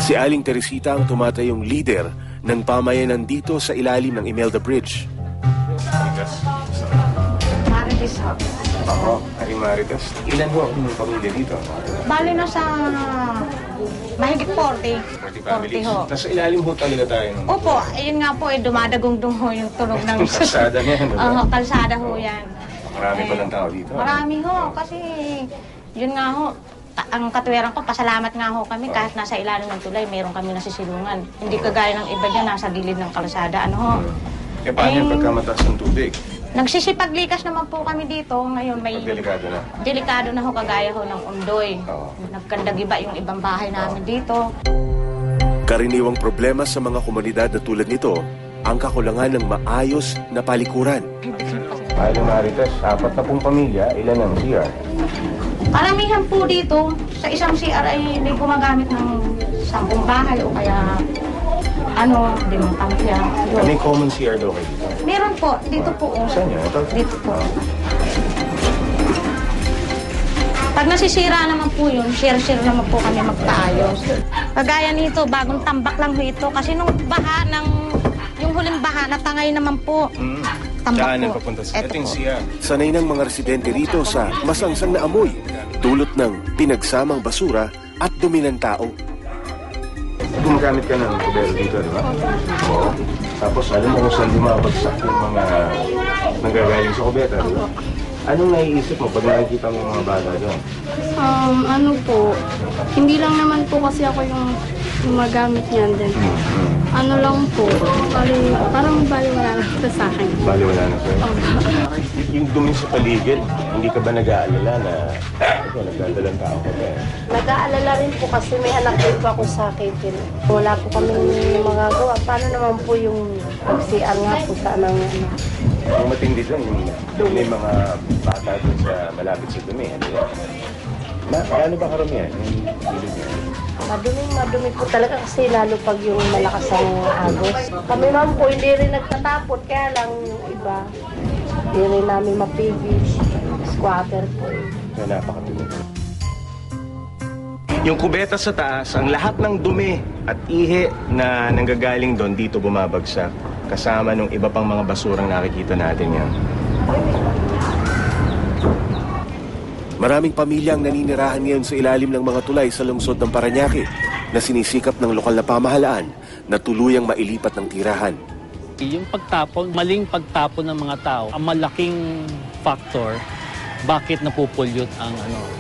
Si Aling Teresita ang tumatayong leader ng pamayanan dito sa ilalim ng Imelda Bridge. Marites ho. Oo, Aling Marites. Ilan ho ang pamilya dito? Bali na sa mahigit 40. 40 families. ho. Nasa ilalim ho talaga tayo. Opo, ayun nga po, dumadagong-dung ho yung tunog ng... Kalsada niya, diba? Oo, kalsada ho yan. Marami pa ng tao dito. Marami ho, kasi yun nga ho, ang katuwiran ko, pasalamat nga ho kami kahit nasa ilalim ng tulay, meron kami nasisilungan. Hindi kagaya ng iba dyan, nasa gilid ng kalsada, ano ho. Eh, paano yung pagkamataas ng tubig? Nagsisipaglikas naman po kami dito. Ngayon may... Delikado na. Delikado na ho, kagaya ho ng Ondoy. Oo. Nagkandagiba yung ibang bahay namin dito. Karaniwang problema sa mga komunidad na tulad nito, ang kakulangan ng maayos na palikuran. Aling Marites, 40 pamilya, ilan ang CR? Karamihan po dito, sa isang CR ay may gumagamit ng 10 bahay o kaya 5 pamilya. May common CR daw kayo dito? Meron po, dito po. Saan yun? Ito? Dito po. Pag nasisira naman po yun, share-share naman po kami magpaayos. Kagaya nito, bagong tambak lang ho ito. Kasi nung baha yung huling baha, natangay naman po. Tambak po. Papunta sa ating CR. Sanay ng mga residente rito sa masangsang na amoy, dulot ng pinagsamang basura at dumi ng tao. Gumagamit ka ng kubero dito, di ba? Oo. Tapos alam mo kung saan bumabagsak yung mga nanggagaling sa kubeta, di ba? Anong naiisip mo pag nakikita mo mga bata doon? Ano po, hindi lang naman po kasi ako yung gumagamit niyan din. Ano lang po, parang baliwala na ito sa akin. Baliwala na sa'yo? Yung dumi sa paligid, hindi ka ba nag-aalala na nagdadalang tao ka ba? Nag-aalala rin po kasi may anak din po ako sa akin. Wala po kami magagawa. Paano naman po yung pag-CR nga po sa anang Ang matindi dyan, yung may mga bata dun sa malapit sa dumi. Ano ba karamihan? Madumi po talaga kasi lalo pag yung malakas ang agos. Kami naman po hindi rin nagtatapot, kaya lang yung iba, hindi rin namin mapigil. Squatter po. Na napakatulog. Yung kubeta sa taas, ang lahat ng dumi at ihi na nanggagaling doon dito bumabagsak. Kasama nung iba pang mga basurang nakikita natin yan. Maraming pamilya ang naninirahan ngayon sa ilalim ng mga tulay sa lungsod ng Parañaque na sinisikap ng lokal na pamahalaan na tuluyang mailipat ng tirahan. Yung pagtapon, maling pagtapon ng mga tao, ang malaking factor bakit napupulyot ang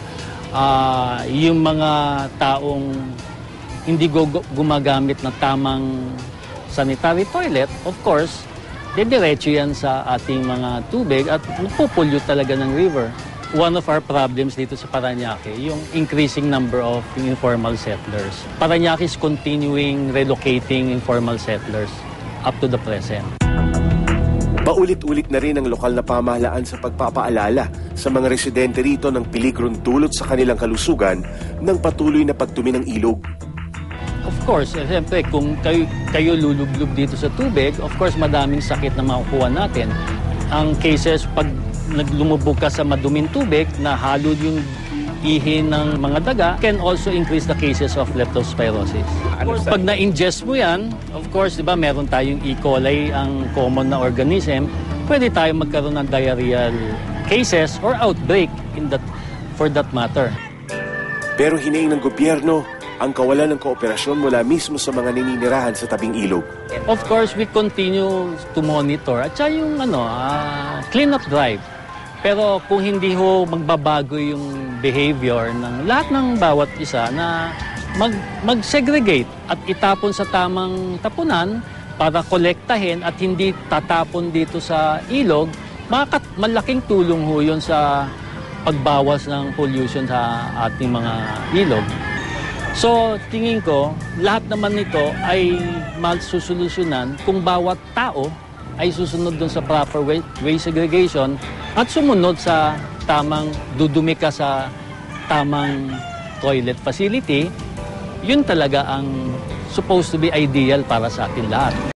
yung mga taong hindi gumagamit ng tamang sanitary toilet, of course, dediretso yan sa ating mga tubig at napupulyot talaga ng river. One of our problems dito sa Parañaque, yung increasing number of informal settlers. Parañaque is continuing relocating informal settlers up to the present. Paulit-ulit na rin ang lokal na pamahalaan sa pagpapaalala sa mga residente rito ng peligrong dulot sa kanilang kalusugan ng patuloy na pagtumi ng ilog. Of course, siyempre, kung kayo lulublog dito sa tubig, of course, madaming sakit na makukuha natin. Ang cases, pag lumubog ka sa maduming tubig, na halo yung ihi ng mga daga, can also increase the cases of leptospirosis. Of course, pag na-ingest mo yan, of course, di ba, meron tayong E. coli, ang common na organism, pwede tayong magkaroon ng diarrheal cases or outbreak for that matter. Pero hinaing ng gobyerno ang kawalan ng kooperasyon mula mismo sa mga naninirahan sa tabing ilog. Of course, we continue to monitor at saka yung clean-up drive. Pero kung hindi ho magbabago yung behavior ng lahat ng bawat isa na mag-segregate at itapon sa tamang tapunan para kolektahin at hindi tatapon dito sa ilog, malaking tulong ho yun sa pagbawas ng pollution sa ating mga ilog. So, tingin ko, lahat naman nito ay masusolusyonan kung bawat tao ay susunod dun sa proper waste segregation at sumunod sa tamang dudumi ka sa tamang toilet facility. Yun talaga ang supposed to be ideal para sa atin lahat.